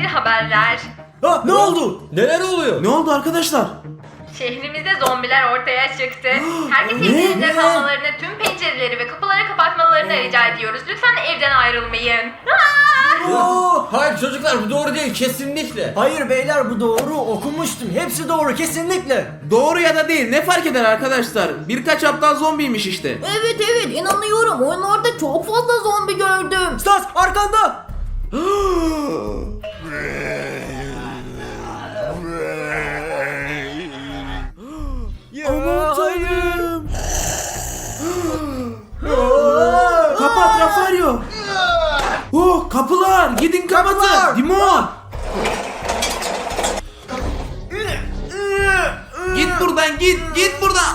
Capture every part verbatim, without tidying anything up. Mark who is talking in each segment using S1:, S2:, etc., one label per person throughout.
S1: acil haberler.
S2: Ha, ne oldu?
S3: Neler oluyor?
S2: Ne oldu arkadaşlar?
S1: Şehrimizde zombiler ortaya çıktı. Herkes
S2: Ne?
S1: evlerinde
S2: Ne?
S1: kalmalarını, tüm pencereleri ve kapıları kapatmalarını rica ediyoruz. Lütfen evden ayrılmayın.
S2: Oo!
S3: Hayır çocuklar, bu doğru değil kesinlikle.
S2: Hayır beyler, bu doğru, okumuştum. Hepsi doğru, kesinlikle.
S4: Doğru ya da değil ne fark eder arkadaşlar? Birkaç aptal zombiymiş işte.
S5: Evet evet inanıyorum. Oyunlarda çok fazla zombi gördüm.
S2: Stas arkanda. Aman tanrım.
S4: Kapat Rafario. Oh kapılar gidin kapatın.
S2: Kapılar.
S4: Dimon. Git buradan git git buradan.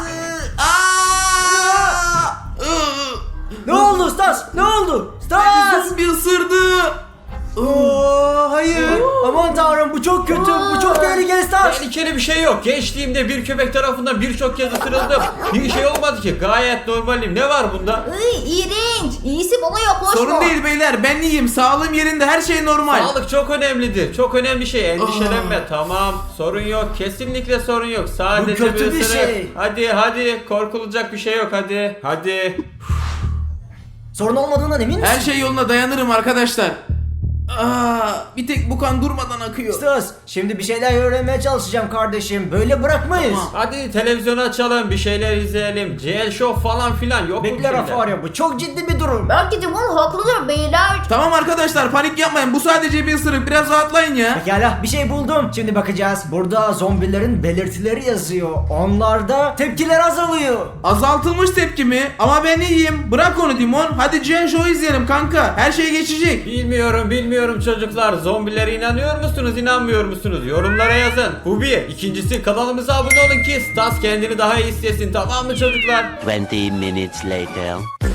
S4: Aa!
S2: Ne oldu Stas? Ne oldu? Stas!
S4: Zombi ısırdı.
S2: Oo, hayır. Aman tanrım, bu çok kötü. Bu çok tehlikeli Stas.
S3: Tehlikeli bir şey yok. Gençliğimde bir köpek tarafından birçok kez ısırıldım. Bir şey olmadı ki. Gayet normalim. Ne var bunda?
S5: Iy, iğrenç. İyisi bana yaklaşma.
S4: Sorun değil beyler ben iyiyim sağlığım yerinde her şey normal.
S3: Sağlık çok önemlidir. Çok önemli şey. Endişelenme. Tamam. Sorun yok. Kesinlikle sorun yok. Sadece
S2: Bu kötü bir
S3: ısırık.
S2: şey.
S3: Hadi hadi. Korkulacak bir şey yok. Hadi. Hadi.
S2: Sorun olmadığından emin misin?
S4: Her şey yoluna dayanırım arkadaşlar. Aa, bir tek bu kan durmadan akıyor.
S2: Stas, şimdi bir şeyler öğrenmeye çalışacağım kardeşim. Böyle bırakmayız.
S4: Tamam.
S3: Hadi televizyonu açalım. Bir şeyler izleyelim. C L Show falan filan. Yok mu bir
S2: Bekle
S3: şeyler?
S2: Rafario, bu çok ciddi bir durum.
S5: Belki de bunu haklıdır beyler.
S4: Tamam arkadaşlar panik yapmayın bu sadece bir ısırık biraz rahatlayın ya.
S2: Pekala, bir şey buldum. Şimdi bakacağız. Burada zombilerin belirtileri yazıyor. Onlarda tepkiler azalıyor.
S4: Azaltılmış tepki mi? Ama ben iyiyim. Bırak onu Dimon. Hadi Gen Show izleyelim kanka. Her şey geçecek.
S3: Bilmiyorum bilmiyorum çocuklar. Zombilere inanıyor musunuz inanmıyor musunuz? Yorumlara yazın. Bu bir. İkincisi kanalımıza abone olun ki Stas kendini daha iyi hissetsin, tamam mı çocuklar?
S6: twenty minutes later.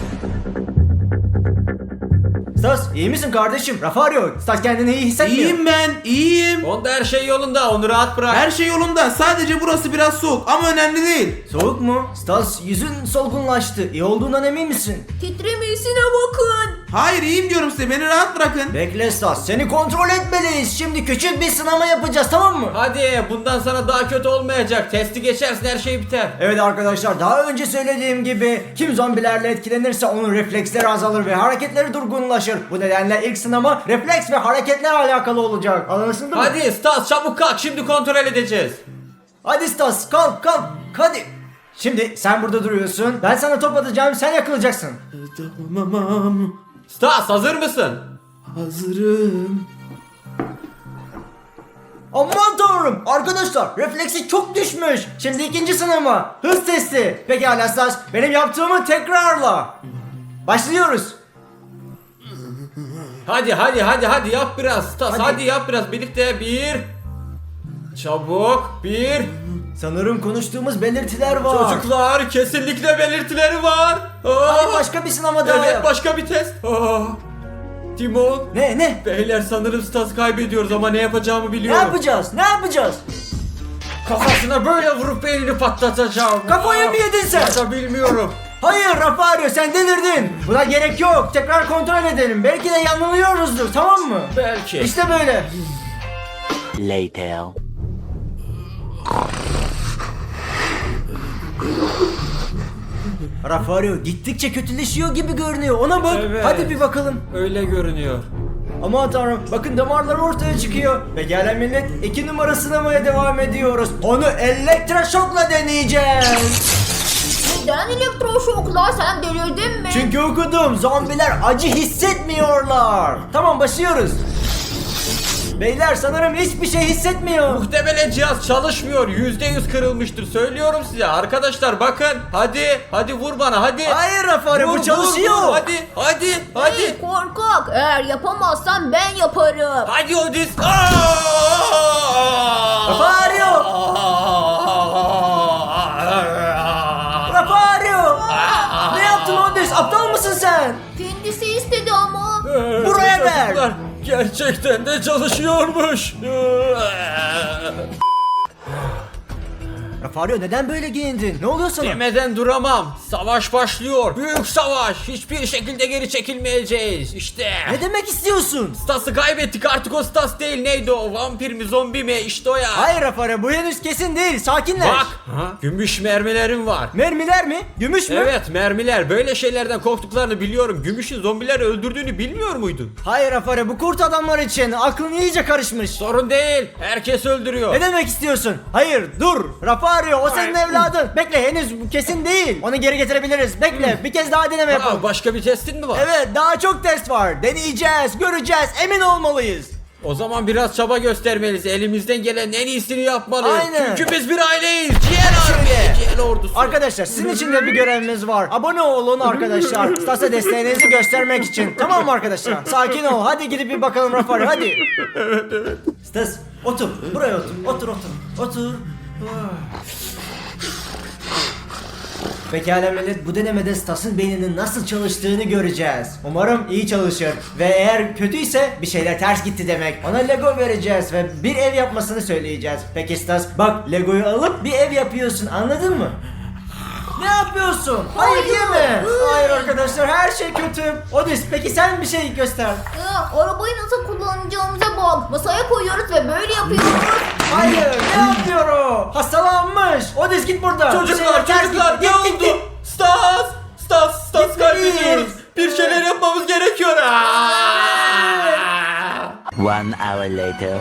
S2: Stas, iyi misin kardeşim? Rafario, Stas kendini iyi hissetmiyor.
S4: İyiyim ben. iyiyim.
S3: Onda her şey yolunda, onu rahat bırak.
S4: Her şey yolunda. Sadece burası biraz soğuk ama önemli değil.
S2: Soğuk mu? Stas, yüzün solgunlaştı. İyi olduğundan emin misin?
S5: Titremesine bakın.
S4: Hayır iyiyim diyorum size. Beni rahat bırakın.
S2: Bekle Stas, seni kontrol etmeliyiz. Şimdi küçük bir sınama yapacağız, tamam mı?
S3: Hadi bundan sana daha kötü olmayacak. Testi geçersin her şey biter.
S2: Evet arkadaşlar, daha önce söylediğim gibi kim zombilerle etkilenirse onun refleksleri azalır ve hareketleri durgunlaşır. Bu nedenle ilk sınama refleks ve hareketler alakalı olacak. Anlaşıldı mı?
S3: Hadi Stas çabuk kalk, şimdi kontrol edeceğiz.
S2: Hadi Stas, kalk kalk hadi. Şimdi sen burada duruyorsun. Ben sana top atacağım, sen yakalayacaksın.
S4: Tamam.
S3: Stas hazır mısın?
S4: Hazırım.
S2: Aman tanrım, arkadaşlar refleksi çok düşmüş. Şimdi ikinci sınama, hız testi. Pekala Stas, benim yaptığımı tekrarla. Başlıyoruz.
S3: Hadi hadi hadi hadi yap biraz Stas,
S2: Hadi.
S3: hadi, yap biraz birlikte. Bir. Çabuk. Bir.
S2: Sanırım konuştuğumuz belirtiler var.
S3: Çocuklar kesinlikle belirtileri var. Aa,
S2: Hadi başka bir sınama daha
S3: evet
S2: yap.
S3: başka bir test. Aa, Timon.
S2: Ne ne?
S3: Beyler sanırım Stas kaybediyoruz ama ne yapacağımı
S2: Ne
S3: biliyorum.
S2: yapacağız? Ne yapacağız?
S3: Kafasına böyle vurup beynini patlatacağım.
S2: Kafayı mı yedin sen?
S3: Ya da bilmiyorum.
S2: Hayır Rafario, sen delirdin. Buna gerek yok. Tekrar kontrol edelim. Belki de yanılıyoruzdur, tamam mı?
S3: Belki.
S2: İşte böyle.
S6: Later.
S2: Rafario gittikçe kötüleşiyor gibi görünüyor. Ona bak.
S3: Evet.
S2: Hadi bir bakalım.
S3: Öyle görünüyor.
S2: Aman tanrım, bakın damarlar ortaya çıkıyor. Ve gelen millet iki numara sınamaya devam ediyoruz. Onu elektroşokla deneyeceğiz.
S5: Neden elektroşokla, sen delirdin mi?
S2: Çünkü okudum, zombiler acı hissetmiyorlar. Tamam, başlıyoruz. Beyler sanırım hiçbir şey hissetmiyor.
S3: Muhtemelen cihaz çalışmıyor. Yüzde yüz kırılmıştır. Söylüyorum size. Arkadaşlar bakın. Hadi. Hadi vur bana hadi.
S2: Hayır Rafario,
S3: Vur,
S2: bu
S3: vur,
S2: çalışıyor.
S3: vur. Hadi. Hadi. Hadi.
S5: Hey, korkak, eğer yapamazsan ben yaparım.
S3: Hadi Odis.
S2: Rafario! Rafario! Ne yaptın Odis? Aptal mısın sen?
S5: Kendisi istedi ama.
S2: Buraya ver.
S3: Çocuklar, gerçekten de çalışıyormuş.
S2: Rafario neden böyle giyindin? Ne oluyor sana?
S3: Demeden duramam. Savaş başlıyor. Büyük savaş. Hiçbir şekilde geri çekilmeyeceğiz. İşte.
S2: Ne demek istiyorsun?
S3: Stas'ı kaybettik, artık o Stas değil. Neydi o? Vampir mi, zombi mi? İşte o ya.
S2: Hayır Rafario, bu henüz kesin değil. Sakinleş.
S3: Bak. Ha? Gümüş mermilerim var.
S2: Mermiler mi? Gümüş mü?
S3: Evet, mermiler. Böyle şeylerden korktuklarını biliyorum. Gümüşün zombileri öldürdüğünü bilmiyor muydun?
S2: Hayır Rafario, bu kurt adamlar için. Aklın iyice karışmış.
S3: Sorun değil. Herkes öldürüyor.
S2: Ne demek istiyorsun? Hayır dur. Rafario, o senin evladın. Bekle, henüz bu kesin değil. Onu geri getirebiliriz. Bekle, bir kez daha deneme yapalım.
S3: Aa, başka bir testin mi var?
S2: Evet, daha çok test var. Deneyeceğiz, göreceğiz, emin olmalıyız.
S3: O zaman biraz çaba göstermeliyiz. Elimizden gelen en iyisini yapmalıyız.
S2: Aynen.
S3: Çünkü biz bir aileyiz. Ciğer
S2: Şöyle.
S3: army, ciğer ordusu.
S2: Arkadaşlar, sizin için de bir görevimiz var. Abone olun arkadaşlar. Stas'a desteğinizi göstermek için. Tamam mı arkadaşlar? Sakin ol. Hadi gidip bir bakalım Rafario, hadi. Evet evet. Stas, otur. Buraya otur. Otur otur. Otur. Pekala millet, bu denemede Stas'ın beyninin nasıl çalıştığını göreceğiz. Umarım iyi çalışır. Ve eğer kötüyse bir şeyler ters gitti demek. Ona Lego vereceğiz ve bir ev yapmasını söyleyeceğiz. Peki Stas, bak Lego'yu alıp bir ev yapıyorsun, anladın mı? Ne yapıyorsun? Hayır diyeme. Hayır arkadaşlar, her şey kötü. Odis, peki sen bir şey göster.
S5: Ya, arabayı nasıl kullanacağımıza bak. Masaya koyuyoruz ve böyle yapıyoruz.
S2: Hayır, ne yapıyor o? Hastalanmış. Odis git buradan. Bir
S3: Çocuklar,
S2: şeyler ters
S3: çocuklar
S2: gitti.
S3: ne
S2: Git, git,
S3: oldu? Stas, Stas, Stas
S2: Gitmeliyiz.
S3: kaybediyoruz. Bir şeyler yapmamız gerekiyor. Aa!
S6: One hour later.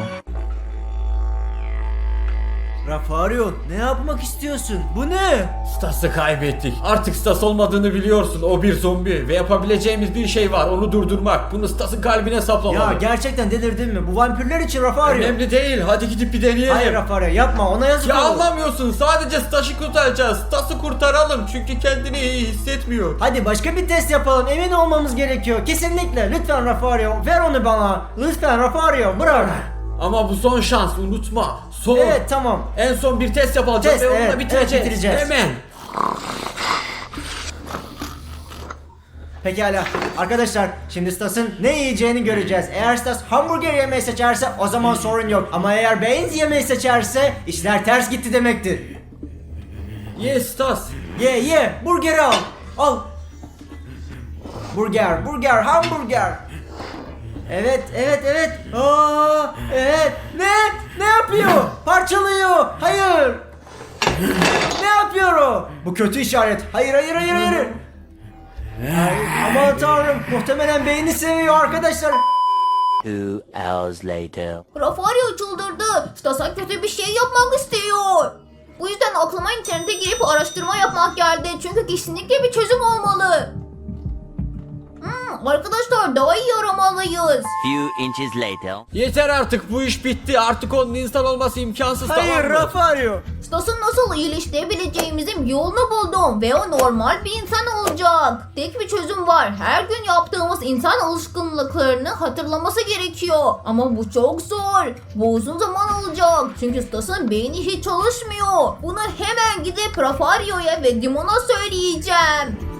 S2: Rafario, ne yapmak istiyorsun? Bu ne?
S3: Stas'ı kaybettik. Artık Stas olmadığını biliyorsun. O bir zombi ve yapabileceğimiz bir şey var. Onu durdurmak. Bunu Stas'ın kalbine
S2: Ya
S3: saplamalı.
S2: gerçekten delirdin mi? Bu vampirler için Rafario.
S3: Önemli değil. Hadi gidip bir deneyelim.
S2: Hayır Rafario, yapma, ona yazık
S3: Ya
S2: olur.
S3: anlamıyorsun. Sadece Stas'ı kurtaracağız. Stas'ı kurtaralım. Çünkü kendini iyi hissetmiyor.
S2: Hadi başka bir test yapalım, emin olmamız gerekiyor. Kesinlikle, lütfen Rafario, ver onu bana. Lütfen Rafario, bırak.
S3: Ama bu son şans. Unutma. Son.
S2: Evet tamam.
S3: En son bir test yapacağız
S2: Test,
S3: ve onunla
S2: evet,
S3: bitireceğiz.
S2: evet, bitireceğiz.
S3: Hemen.
S2: Pekala arkadaşlar, şimdi Stas'ın ne yiyeceğini göreceğiz. Eğer Stas hamburger yemeyi seçerse o zaman sorun yok. Ama eğer beans yemeyi seçerse işler ters gitti demektir.
S3: Yes Stas.
S2: Ye ye, burgeri al. Al. Burger, burger, hamburger. Evet, evet, evet. Aa, evet. Ne? Ne yapıyor? Parçalıyor. Hayır. Ne yapıyor o? Bu kötü işaret. Hayır, hayır, hayır, hayır. Hayır. Aman tanrım, muhtemelen beyni seviyor arkadaşlar.
S6: Two hours later.
S5: Rafario çıldırdı. Stas'a kötü bir şey yapmak istiyor. Bu yüzden aklıma internete girip araştırma yapmak geldi. Çünkü kesinlikle bir çözüm olmalı. Hmm, arkadaşlar daha iyi aramalıyız.
S6: Few inches later.
S3: Yeter artık, bu iş bitti. Artık onun insan olması imkansız.
S2: Hayır,
S3: tamam mı?
S2: Rafario.
S5: Stas'ın nasıl iyileştirebileceğimizin yolunu buldum ve o normal bir insan olacak. Tek bir çözüm var. Her gün yaptığımız insan alışkanlıklarını hatırlaması gerekiyor. Ama bu çok zor. Bu uzun zaman alacak. Çünkü Stas'ın beyni hiç çalışmıyor. Bunu hemen gidip Rafario'ya ve Dimon'a söyleyeceğim.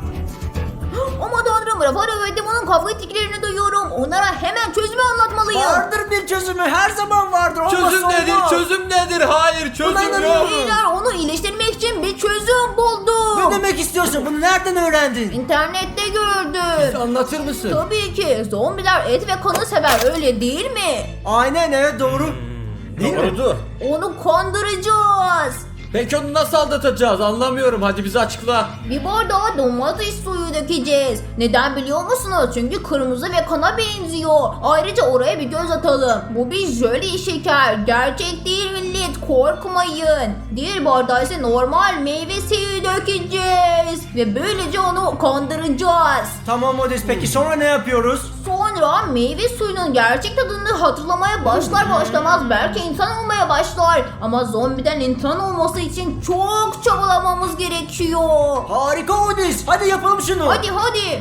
S5: Aman tanrım, Rafario ve Dimon'un kavga ettiklerini duyuyorum. Onlara hemen çözümü anlatmalıyım.
S2: Vardır bir çözümü, her zaman vardır. Olmazsa
S3: Çözüm nedir?
S2: olmaz.
S3: Çözüm nedir? Hayır, çözüm
S2: Buna
S3: yok.
S2: inanıyorum.
S5: Beyler, onu iyileştirmek için bir çözüm buldum.
S2: Ne demek istiyorsun? Bunu nereden öğrendin?
S5: İnternette gördüm.
S3: Anlatır mısın?
S5: Tabii ki. Zombiler et ve kanı sever, öyle değil mi?
S2: Aynen, evet, doğru. Değil mi?
S3: Doğrudur.
S5: Onu kandıracağız.
S3: Peki onu nasıl aldatacağız? Anlamıyorum. Hadi bize açıkla.
S5: Bir bardağa domates suyu dökeceğiz. Neden biliyor musunuz? Çünkü kırmızı ve kana benziyor. Ayrıca oraya bir göz atalım. Bu bir jöle şeker. Gerçek değil millet. Korkmayın. Diğer bardağa ise normal meyve suyu dökeceğiz. Ve böylece onu kandıracağız.
S2: Tamam Odis, peki sonra ne yapıyoruz?
S5: Sonra meyve suyunun gerçek tadını hatırlamaya başlar başlamaz belki insan olmaya başlar. Ama zombiden insan olması için çok çabalamamız gerekiyor.
S2: Harika Odis, hadi yapalım şunu.
S5: Hadi hadi.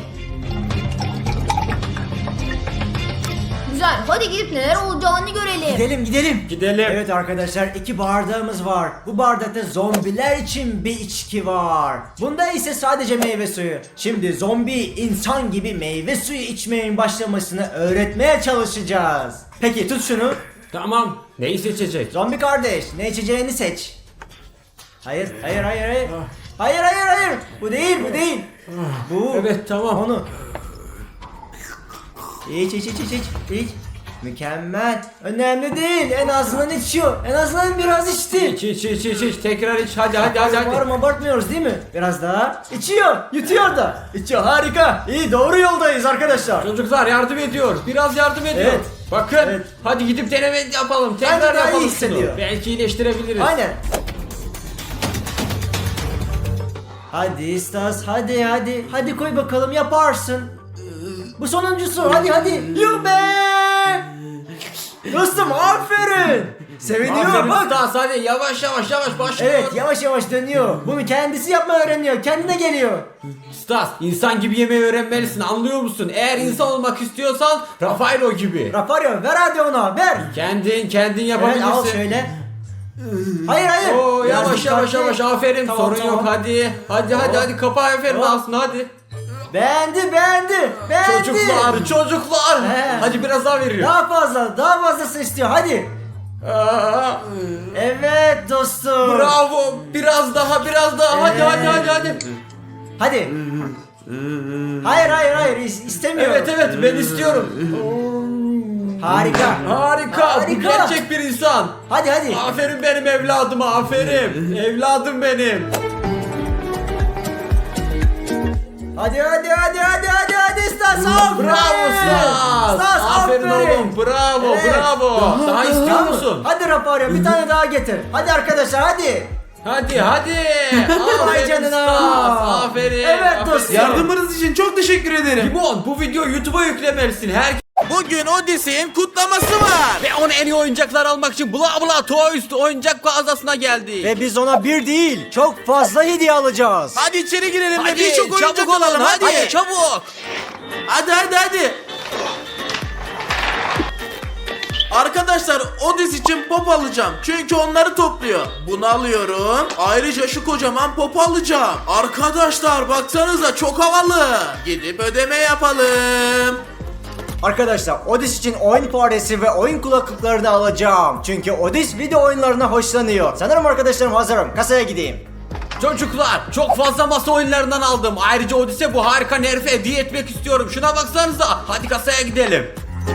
S5: Güzel, hadi gidip neler olacağını görelim.
S2: Gidelim gidelim.
S3: Gidelim.
S2: Evet arkadaşlar, iki bardağımız var. Bu bardakta zombiler için bir içki var. Bunda ise sadece meyve suyu. Şimdi zombi insan gibi meyve suyu içmeyin başlamasını öğretmeye çalışacağız. Peki tut şunu.
S3: Tamam. Neyi seçecek?
S2: Zombi kardeş, ne içeceğini seç. Hayır, hayır, hayır, hayır. Hayır, hayır, hayır. Bu değil, bu değil. Bu.
S3: Evet, tamam.
S2: Onu. İç, iç, iç, iç, iç, iç. Mükemmel. Önemli değil. En azından içiyor. En azından biraz içti.
S3: İç iç iç iç iç. Tekrar iç. Hadi hadi hadi hadi.
S2: Umarım abartmıyoruz değil mi? Biraz daha. İçiyor. Yutuyor da. İçiyor. Harika. İyi, doğru yoldayız arkadaşlar.
S3: Çocuklar yardım ediyor. Biraz yardım ediyor.
S2: Evet.
S3: Bakın.
S2: Evet.
S3: Hadi gidip deneme yapalım.
S2: Bence
S3: Tekrar
S2: daha iyi
S3: yapalım şunu.
S2: hissediyor.
S3: Belki iyileştirebiliriz.
S2: Aynen. Hadi Stas, hadi hadi. Hadi koy bakalım, yaparsın. Bu sonuncusu, hadi hadi. Yuh be! Dostum aferin. Seviniyor
S3: Aferin
S2: bak.
S3: Stas, hadi yavaş yavaş yavaş başlıyor.
S2: Evet, yavaş yavaş dönüyor. Bunu kendisi yapmayı öğreniyor. Kendine geliyor.
S3: Stas, insan gibi yemeği öğrenmelisin, anlıyor musun? Eğer insan olmak istiyorsan Rafaelo gibi.
S2: Rafario, ver hadi ona, ver.
S3: Kendin kendin
S2: Evet,
S3: yapabilirsin.
S2: al şöyle. Hayır hayır.
S3: Oo,
S2: Biraz
S3: yavaş yavaş
S2: dikkatli.
S3: yavaş aferin,
S2: Tamam,
S3: sorun
S2: tamam.
S3: yok, hadi. Hadi hadi
S2: Tamam.
S3: hadi kapa aferin
S2: Tamam.
S3: aslında, hadi.
S2: Beğendi, beğendi. Beğendi.
S3: Çocuklar çocuklar.
S2: He.
S3: Hadi biraz daha veriyor.
S2: Daha fazla, daha fazlasını istiyor. Hadi.
S3: Aa,
S2: Evet dostum.
S3: bravo, biraz daha biraz daha, hadi
S2: Evet.
S3: hadi hadi hadi.
S2: Hadi. Hayır hayır hayır is- istemiyorum.
S3: Evet evet, ben istiyorum.
S2: Harika.
S3: Harika, bu
S2: Harika.
S3: gerçek bir insan.
S2: Hadi hadi.
S3: Aferin benim evladıma, aferin. Evladım benim.
S2: Hadi hadi hadi hadi hadi hadi Stas. Aferin.
S3: Bravo Stas.
S2: Stas
S3: Aferin oğlum, bravo
S2: Evet.
S3: bravo. Daha istiyor
S2: Tamam.
S3: musun?
S2: Hadi Rafario, bir tane daha getir. Hadi arkadaşlar hadi.
S3: Hadi hadi.
S2: Vay
S3: Aferin
S2: canına.
S3: Stas, aferin.
S2: Evet
S3: aferin.
S2: dostum.
S4: Yardımınız için çok teşekkür ederim.
S3: Limon, bu videoyu YouTube'a yüklemelisin. Her
S4: Bugün Odyssey'in kutlaması var.
S3: ve ona en iyi oyuncaklar almak için bla bla Toys oyuncak mağazasına geldi.
S2: Ve biz ona bir değil, çok fazla hediye alacağız.
S4: Hadi içeri girelim ve
S3: Hadi
S4: birçok oyuncak
S3: çabuk olun,
S4: alalım
S3: hadi.
S4: hadi.
S3: çabuk.
S4: Hadi hadi hadi. Arkadaşlar Odyssey için pop alacağım. Çünkü onları topluyor. Bunu alıyorum. Ayrıca şu kocaman pop alacağım. Arkadaşlar baksanıza çok havalı. Gidip ödeme yapalım.
S2: Arkadaşlar Odis için oyun faresi ve oyun kulaklıkları da alacağım. Çünkü Odis video oyunlarına hoşlanıyor. Sanırım arkadaşlarım hazırım. Kasaya gideyim.
S3: Çocuklar çok fazla masa oyunlarından aldım. Ayrıca Odise bu harika Nerf'e hediye etmek istiyorum. Şuna baksanıza. Hadi kasaya gidelim.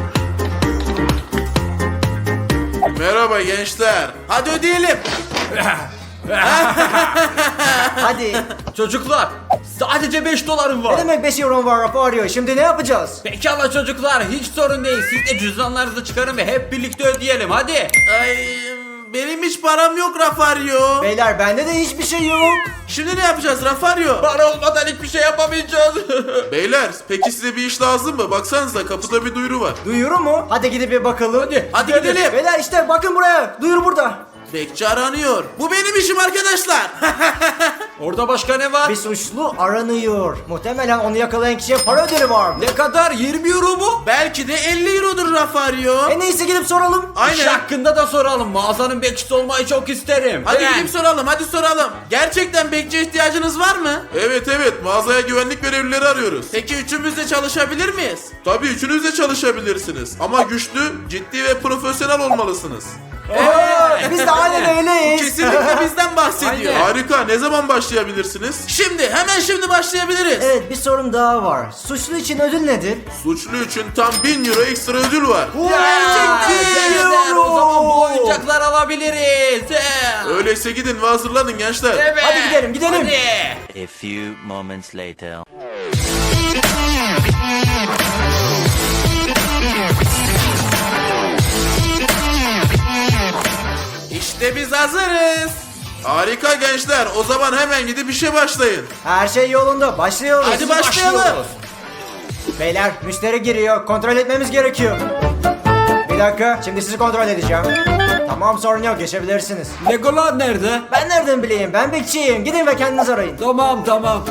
S4: Merhaba gençler. Hadi ödeyelim.
S2: Hadi.
S3: Çocuklar sadece beş dolarım
S2: Ne
S3: var.
S2: demek beş euro var Rafario? Şimdi ne yapacağız?
S3: Pekala çocuklar, hiç sorun değil. Siz de cüzdanlarınızı çıkarın ve hep birlikte ödeyelim. Hadi.
S4: Ay, benim hiç param yok Rafario.
S2: Beyler bende de hiçbir şey yok.
S4: Şimdi ne yapacağız Rafario?
S3: Para olmadan hiçbir şey yapamayacağız.
S7: Beyler peki size bir iş lazım mı? Baksanıza kapıda bir duyuru var.
S2: Duyuru mu? Hadi gidip bir bakalım.
S3: Hadi.
S4: Hadi gidelim.
S2: Beyler işte bakın buraya. Duyuru burada.
S4: Bekçi aranıyor. Bu benim işim arkadaşlar.
S3: Orada başka ne var?
S2: Bir suçlu aranıyor. Muhtemelen onu yakalayan kişiye para ödülü var.
S3: Ne kadar? yirmi euro mu?
S4: Belki de elli eurodur Rafario.
S2: En iyisi gidip soralım.
S3: İş
S4: Aynen.
S3: hakkında da soralım. Mağazanın bekçisi olmayı çok isterim.
S4: Hadi
S3: Ben-
S4: gidip soralım, hadi soralım. Gerçekten bekçiye ihtiyacınız var mı?
S7: Evet evet mağazaya güvenlik görevlileri arıyoruz.
S4: Peki üçümüz de çalışabilir miyiz?
S7: Tabii üçünüz de çalışabilirsiniz. Ama güçlü, ciddi ve profesyonel olmalısınız.
S2: Oo, biz de aynen öyleyiz.
S4: Kesinlikle bizden bahsediyor.
S3: Aynen.
S7: Harika, ne zaman başlayabilirsiniz?
S4: Şimdi, hemen şimdi başlayabiliriz.
S2: Evet, bir sorun daha var. Suçlu için ödül nedir?
S7: Suçlu için tam bin euro ekstra ödül var.
S3: Gerçekten.
S2: Gerçekten.
S3: O zaman bu oyuncaklar alabiliriz. He.
S7: Öyleyse gidin ve hazırlanın gençler.
S3: Evet.
S2: Hadi gidelim, gidelim.
S3: Hadi.
S6: A few moments later.
S4: İşte biz hazırız.
S7: Harika gençler, o zaman hemen gidip işe başlayın.
S2: Her şey yolunda. Başlıyoruz.
S4: Hadi başlayalım.
S3: Başlıyoruz.
S2: Beyler, müşteri giriyor. Kontrol etmemiz gerekiyor. Bir dakika, şimdi sizi kontrol edeceğim. Tamam, sorun yok. Geçebilirsiniz.
S3: Legolar nerede?
S2: Ben nereden bileyim? Ben bekçiyim. Gidin ve kendiniz arayın.
S3: Tamam tamam.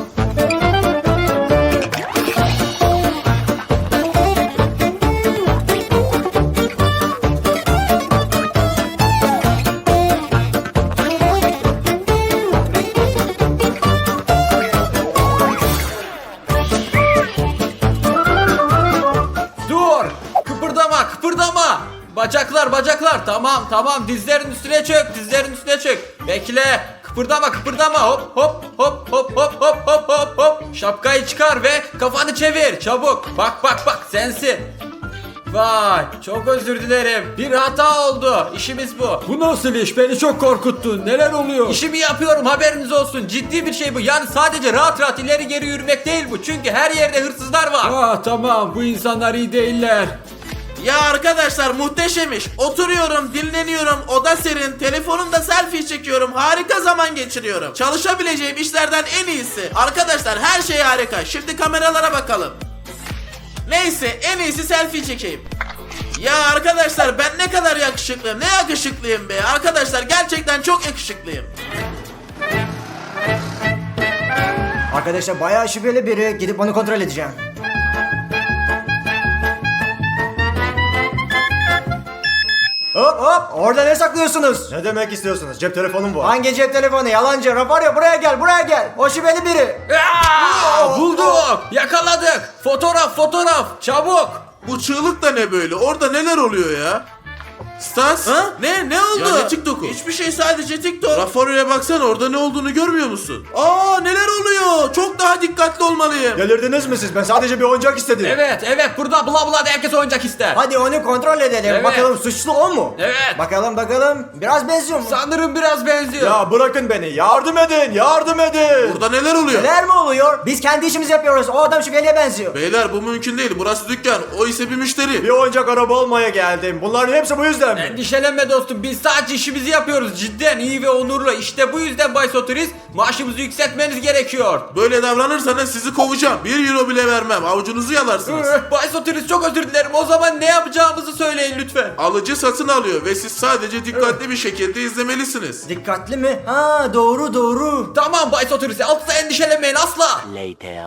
S3: Dur! Kıpırdama, kıpırdama! Bacaklar, bacaklar. Tamam, tamam. Dizlerin üstüne çök, dizlerin üstüne çök. Bekle. Kıpırdama kıpırdama hop hop hop hop hop hop hop hop hop. Şapkayı çıkar ve kafanı çevir çabuk. Bak bak bak sensin. Vay çok özür dilerim. Bir hata oldu. İşimiz bu. Bu nasıl iş? Beni çok korkuttun. Neler oluyor? İşimi yapıyorum haberiniz olsun. Ciddi bir şey bu. Yani sadece rahat rahat ileri geri yürümek değil bu. Çünkü her yerde hırsızlar var. Ah tamam bu insanlar iyi değiller.
S4: Ya arkadaşlar muhteşem iş. Oturuyorum, dinleniyorum, oda serin, telefonumda selfie çekiyorum, harika zaman geçiriyorum. Çalışabileceğim işlerden en iyisi. Arkadaşlar her şey harika. Şimdi kameralara bakalım. Neyse en iyisi selfie çekeyim. Ya arkadaşlar ben ne kadar yakışıklıyım. Ne yakışıklıyım be. Arkadaşlar gerçekten çok yakışıklıyım.
S2: Arkadaşlar bayağı şüpheli biri. Gidip onu kontrol edeceğim. Hop hop orada ne saklıyorsunuz? Ne demek istiyorsunuz? Cep telefonum bu. Hangi cep telefonu? Yalancı. Rafario buraya gel buraya gel. O şüpheli biri.
S3: Aa, bulduk. Yakaladık. Fotoğraf fotoğraf. Çabuk.
S7: Bu çığlık da ne böyle? Orada neler oluyor ya? Stas?
S4: Ha? Ne? Ne oldu?
S7: Ya ne TikTok'u?
S4: Hiçbir şey, sadece TikTok.
S7: Rafario'ya baksana, orada ne olduğunu görmüyor musun?
S4: Aa neler oluyor? Çok daha dikkatli olmalıyım.
S2: Delirdiniz mi siz? Ben sadece bir oyuncak istedim.
S3: Evet evet burada bla bla da herkes oyuncak ister.
S2: Hadi onu kontrol edelim.
S3: Evet.
S2: Bakalım suçlu o mu?
S3: Evet.
S2: Bakalım bakalım. Biraz benziyor mu?
S3: Sanırım biraz benziyor.
S2: Ya bırakın beni. Yardım edin. Yardım edin.
S7: Burada neler oluyor?
S2: Neler mi oluyor? Biz kendi işimizi yapıyoruz. O adam şüpheliye benziyor.
S7: Beyler bu mümkün değil. Burası dükkan. O ise bir müşteri.
S2: Bir oyuncak araba almaya geldim. Bunların hepsi bu yüzden mi?
S3: Endişelenme dostum biz sadece işimizi yapıyoruz cidden iyi ve onurlu. İşte bu yüzden Bay Sotiris maaşımızı yükseltmeniz gerekiyor.
S7: Böyle davranırsanız sizi kovacağım. Bir euro bile vermem. Avucunuzu yalarsınız.
S3: Üh, Bay Sotiris çok özür dilerim o zaman ne yapacağımızı söyleyin lütfen.
S7: Alıcı satın alıyor ve siz sadece dikkatli bir şekilde izlemelisiniz.
S2: Dikkatli mi? Ha doğru doğru.
S3: Tamam Bay Sotiris asla endişelenmeyin asla.
S6: Later.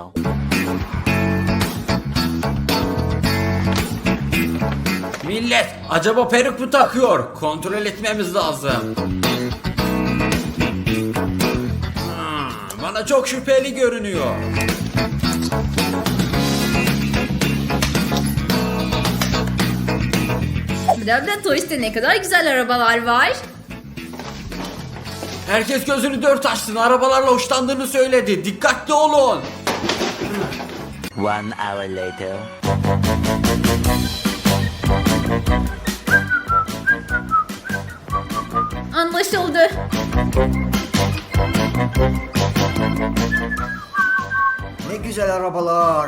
S3: Millet acaba peruk mu takıyor? Kontrol etmemiz lazım. Hmm, bana çok şüpheli görünüyor.
S8: Blabla Toys'te ne kadar güzel arabalar var.
S3: Herkes gözünü dört açsın arabalarla hoşlandığını söyledi. Dikkatli olun.
S6: One hour later.
S8: Anlaşıldı.
S2: Ne güzel arabalar.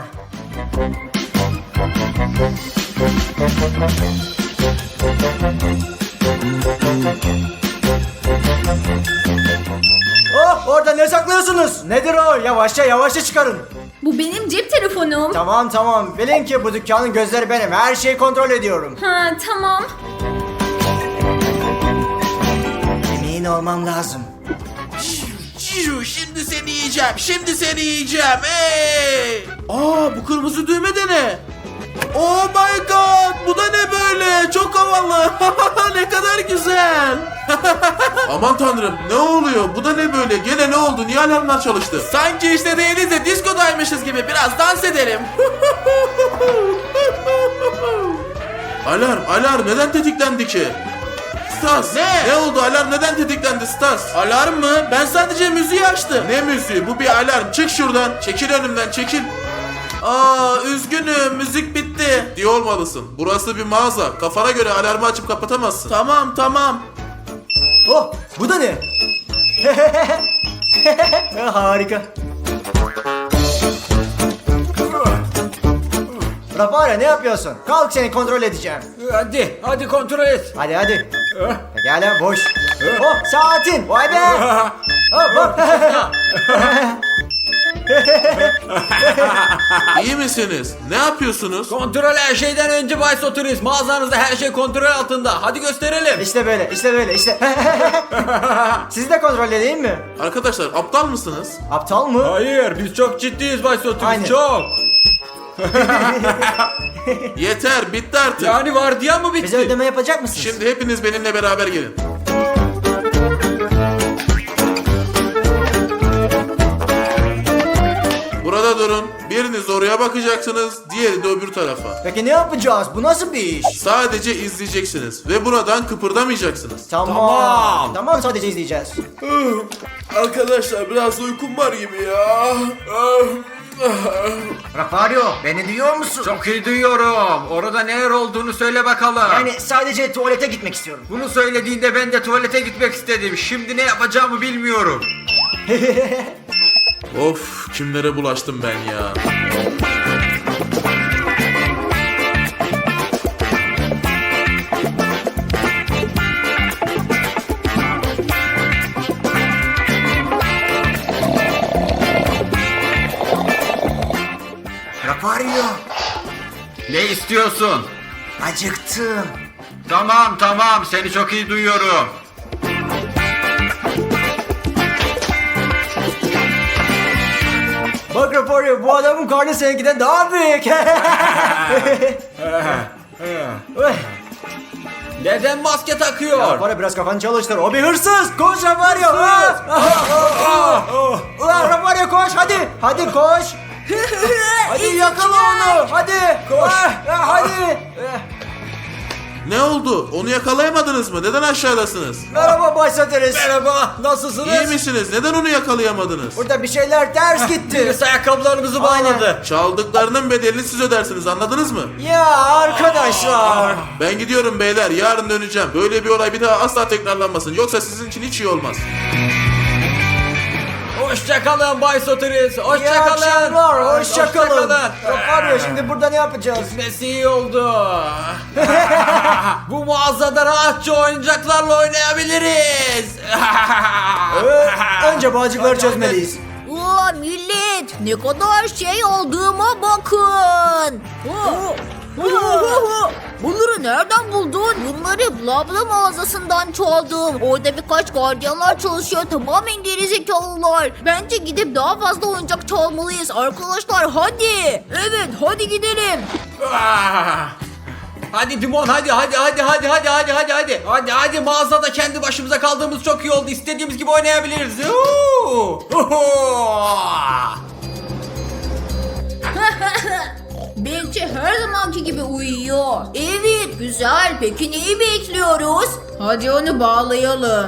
S2: Oh orada ne saklıyorsunuz? Nedir o? Yavaşça yavaşça çıkarın.
S8: Bu benim cep telefonum.
S2: Tamam tamam. Bilin ki bu dükkanın gözleri benim. Her şeyi kontrol ediyorum.
S8: Ha tamam.
S2: Emin olmam lazım.
S4: Ciu, şimdi seni yiyeceğim. Şimdi seni yiyeceğim. Hey! Aa bu kırmızı düğme de ne? Oh my god! Bu da ne böyle? Çok havalı. Ne kadar güzel.
S7: Aman tanrım, ne oluyor? Bu da ne böyle? Gene ne oldu? Niye alarmlar çalıştı?
S4: Sanki işte değiliz de diskodaymışız gibi. Biraz dans edelim.
S7: Alarm, alarm neden tetiklendi ki? Stas,
S4: Ne?
S7: ne oldu? Alarm neden tetiklendi Stas?
S4: Alarm mı? Ben sadece müziği açtım.
S7: Ne müziği? Bu bir alarm. Çık şuradan. Çekil önümden, çekil.
S4: Aa üzgünüm, müzik bitti.
S7: Diye olmalısın. Burası bir mağaza. Kafana göre alarmı açıp kapatamazsın.
S4: Tamam tamam.
S2: Oh bu da ne? Harika. Rafario ne yapıyorsun? Kalk seni kontrol edeceğim.
S3: Hadi hadi kontrol et.
S2: Hadi hadi. Pekala boş. Oh saatin. Vay be. Hop hop.
S7: İyi misiniz? Ne yapıyorsunuz?
S3: Kontrol her şeyden önce Bay Sotiris. Mağazanızda her şey kontrol altında. Hadi gösterelim.
S2: İşte böyle, işte böyle, işte. Sizi de kontrol edeyim mi?
S7: Arkadaşlar aptal mısınız?
S2: Aptal mı?
S3: Hayır biz çok ciddiyiz Bay Sotiris
S2: Aynen.
S3: çok.
S7: Yeter, bitti artık.
S3: Yani vardiya mı bitti?
S2: Bize ödeme yapacak mısınız?
S7: Şimdi hepiniz benimle beraber gelin. Burada durun. Bir Biriniz oraya bakacaksınız, diğeri de öbür tarafa.
S2: Peki ne yapacağız? Bu nasıl bir iş?
S7: Sadece izleyeceksiniz ve buradan kıpırdamayacaksınız.
S2: Tamam.
S3: Tamam.
S2: Tamam, sadece izleyeceğiz.
S4: Arkadaşlar biraz uykum var gibi ya.
S2: Rafario, beni duyuyor musun?
S3: Çok iyi duyuyorum. Orada neler olduğunu söyle bakalım.
S2: Yani sadece tuvalete gitmek istiyorum.
S3: Bunu söylediğinde ben de tuvalete gitmek istedim. Şimdi ne yapacağımı bilmiyorum.
S7: Of, kimlere bulaştım ben ya.
S2: Rafario,
S3: Ne istiyorsun?
S2: acıktım.
S3: Tamam tamam seni çok iyi duyuyorum.
S2: Bak Rafario, bu adamın karnı seninkinden daha büyük. Oy.
S3: Neden maske takıyor?
S2: Rafario, biraz kafanı çalıştır. O bir hırsız. Koş Rafario. Ulan Rafario, koş hadi. Hadi koş. Hadi yakala onu. Hadi. Koş. Hadi.
S7: Ne oldu? Onu yakalayamadınız mı? Neden aşağıdasınız?
S2: Merhaba Bay Satiris.
S3: Merhaba nasılsınız?
S7: İyi misiniz? Neden onu yakalayamadınız?
S2: Burada bir şeyler ters gitti.
S3: Birisi ayakkabılarımızı bağladı.
S7: Çaldıklarının bedelini siz ödersiniz, anladınız mı?
S2: Ya arkadaşlar.
S7: Ben gidiyorum beyler, yarın döneceğim. Böyle bir olay bir daha asla tekrarlanmasın. Yoksa sizin için hiç iyi olmaz.
S3: Hoşçakalın Bay Sotiris.
S2: İyi
S3: Hoşçakalın.
S2: akşamlar. Hoşçakalın.
S3: Hoşçakalın.
S2: Rafario, şimdi burada ne yapacağız?
S3: Gitmesi iyi oldu. Bu mağazada rahatça oyuncaklarla oynayabiliriz.
S2: Ee, önce bağcıkları çözmeliyiz.
S5: Aa, millet ne kadar şey olduğuma bakın. Aa, bunları nereden buldun? Bunları Blabla mağazasından çaldım. Orada birkaç gardiyanlar çalışıyor. Tamamen gerizekalılar. Bence gidip daha fazla oyuncak çalmalıyız. Arkadaşlar hadi. Evet hadi gidelim.
S3: Hadi Dimon hadi hadi hadi hadi hadi hadi hadi hadi hadi hadi mağazada kendi başımıza kaldığımız çok iyi oldu. İstediğimiz gibi oynayabiliriz. Huu!
S5: Bence her zamanki gibi uyuyor. Evet güzel. Peki neyi bekliyoruz? Hadi onu bağlayalım.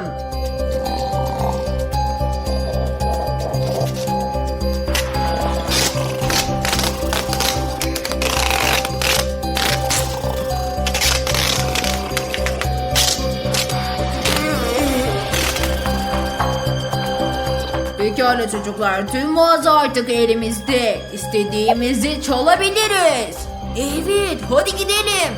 S5: Pekala çocuklar, tüm mağaza artık elimizde. İstediğimizi çalabiliriz. Evet, hadi gidelim.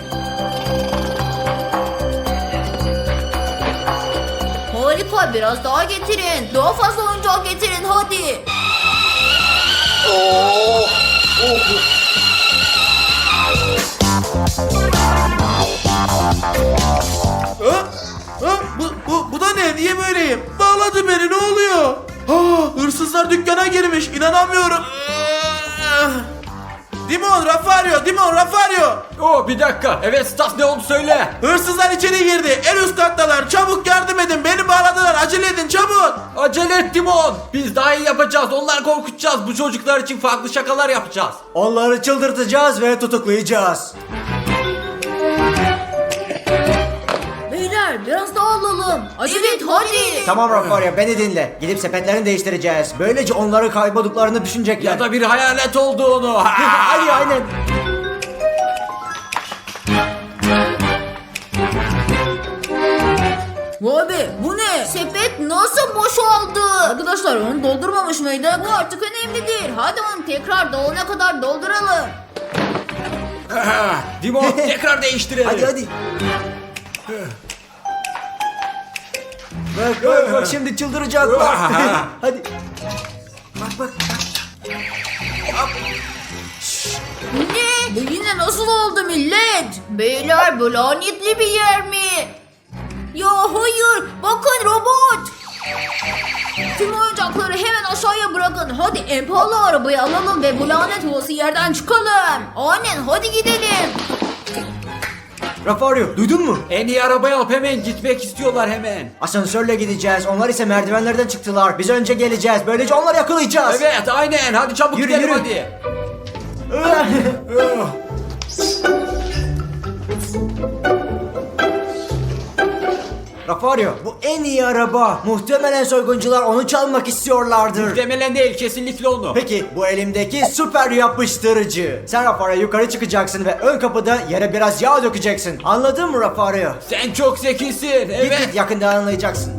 S5: Harika, biraz daha getirin. Daha fazla oyuncak getirin, hadi.
S7: Ha? Ha? Bu, bu, bu da ne? Niye böyleyim? Bağladı beni, ne oluyor? Ha, hırsızlar dükkana girmiş, inanamıyorum. Dimon, Rafario, Dimon, Rafario.
S3: Oh bir dakika. Evet Stas ne oldu söyle.
S7: Hırsızlar içeri girdi. En üst kattalar. Çabuk yardım edin. Beni bağladılar. Acele edin çabuk.
S3: Acele et Dimon. Biz daha iyi yapacağız. Onları korkutacağız. Bu çocuklar için farklı şakalar yapacağız.
S2: Onları çıldırtacağız ve tutuklayacağız.
S5: Beyler, biraz daha alalım. Evet, hadi.
S2: Tamam Rafario, beni dinle. Gidip sepetlerini değiştireceğiz. Böylece onları kaybolduklarını düşünecekler.
S3: Ya da bir hayalet olduğunu.
S2: Hadi aynen.
S5: Vay be, bu ne? Sepet nasıl boşaldı? Arkadaşlar onu doldurmamış mıydık? Bu artık önemli değil. Hadi onu tekrar dolana kadar dolduralım.
S3: Dimon tekrar değiştirelim.
S2: Hadi hadi. Bak bak bak, şimdi çıldıracak bak. Hadi. Bak bak.
S5: Ne? Bu yine nasıl oldu millet? Beyler, bu lanetli bir yer mi? Ya hayır, bakın robot. Tüm oyuncakları hemen aşağıya bırakın. Hadi en pahalı arabayı alalım ve bu lanet olası yerden çıkalım. Aynen, hadi gidelim.
S2: Rafario, duydun mu?
S3: En iyi arabayı alıp hemen gitmek istiyorlar hemen.
S2: Asansörle gideceğiz. Onlar ise merdivenlerden çıktılar. Biz önce geleceğiz. Böylece onları yakalayacağız.
S3: Evet aynen hadi çabuk
S2: Yürü,
S3: gidelim
S2: yürü.
S3: hadi.
S2: Rafario, bu en iyi araba. Muhtemelen soyguncular onu çalmak istiyorlardır.
S3: Muhtemelen değil, kesinlikle onu.
S2: Peki bu elimdeki süper yapıştırıcı. Sen Rafario yukarı çıkacaksın ve ön kapıda yere biraz yağ dökeceksin. Anladın mı Rafario?
S3: Sen çok zekisin.
S2: Git
S3: Evet.
S2: git, yakında anlayacaksın.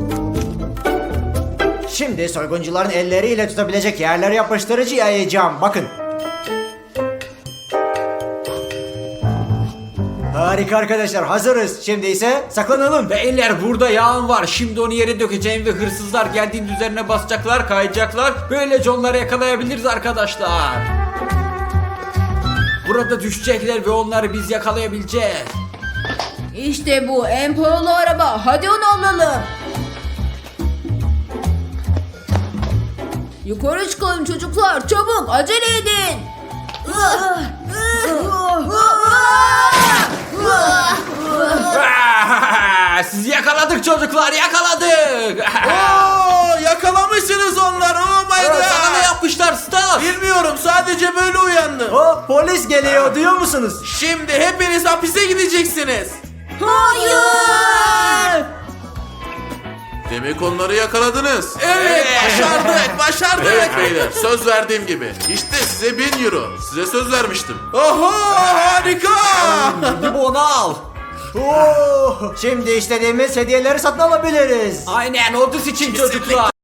S2: Şimdi soyguncuların elleriyle tutabilecek yerlere yapıştırıcı yayacağım. Bakın. Harika arkadaşlar, hazırız. Şimdi ise saklanalım.
S3: Beyler, burada yağın var. Şimdi onu yere dökeceğim ve hırsızlar geldiğinde üzerine basacaklar, kayacaklar. Böylece onları yakalayabiliriz arkadaşlar. Burada düşecekler ve onları biz yakalayabileceğiz.
S8: İşte bu en pahalı araba. Hadi onu alalım. Yukarı çıkalım çocuklar. Çabuk acele edin.
S3: Sizi yakaladık çocuklar, yakaladık.
S4: Oo, yakalamışsınız onları. Oh my god.
S3: Sana ne yapmışlar Stas?
S4: Bilmiyorum, sadece böyle uyandım.
S2: O polis geliyor, duyuyor musunuz?
S4: Şimdi hepiniz hapise gideceksiniz.
S8: Hayır.
S4: Demek onları yakaladınız.
S3: Evet.
S4: Başardık, başardık. Evet beyler, söz verdiğim gibi. İşte size bin euro. Size söz vermiştim. Oho, harika.
S3: Gidip onu al.
S2: Oo, şimdi istediğimiz hediyeleri satın alabiliriz.
S3: Aynen, Odis için çocuklar.